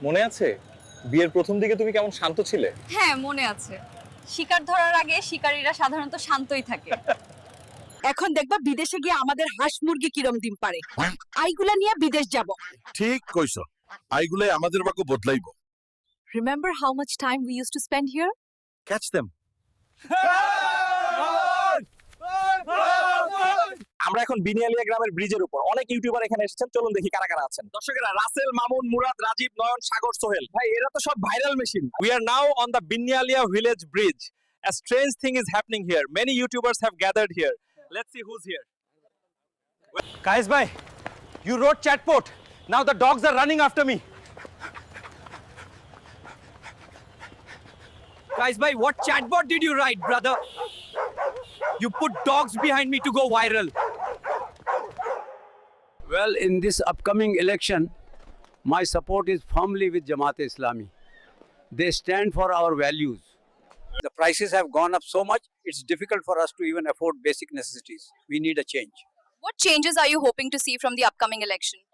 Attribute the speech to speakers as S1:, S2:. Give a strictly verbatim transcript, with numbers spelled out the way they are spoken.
S1: মনে আছে বিয়ের প্রথম দিকে তুমি কেমন শান্ত ছিলে?
S2: হ্যাঁ মনে আছে। শিকার ধরার আগে শিকারীরা সাধারণত শান্তই থাকে।
S3: এখন দেখবা বিদেশে গিয়ে আমাদের হাঁস মুরগি কিরম ডিম পারে, আইগুলা নিয়ে বিদেশ যাব।
S4: ঠিক কইছো, আইগুলাই আমাদের বাক্য বদলাইব।
S2: Remember how much time we used to spend here?
S4: Catch them.
S1: আমরা এখন বিনিয়ালিয়া গ্রামের ব্রিজের উপর। অনেক ইউটিউবার এখানে এসেছেন, চলুন দেখি কারা কারা আছেন। দর্শকেরা, রাসেল, মামুন, মুরাদ, রাজীব, নয়ন, সাগর, সোহেল, ভাই এরা তো সব viral machine. We are now on the Binyalia village bridge. A strange thing is happening here. Many YouTubers have gathered here. Let's see who's here. Guys, bhai, you wrote chatbot. Now the dogs are running after me.
S5: Guys, bhai, what chatbot did you write, brother? You put dogs behind me to go viral.
S6: Well, in this upcoming election, my support is firmly with Jamaat-e-Islami. They stand for our values. The prices have gone up so much, it's difficult for us to even afford basic necessities. We need a change.
S2: What changes are you hoping to see from the upcoming election?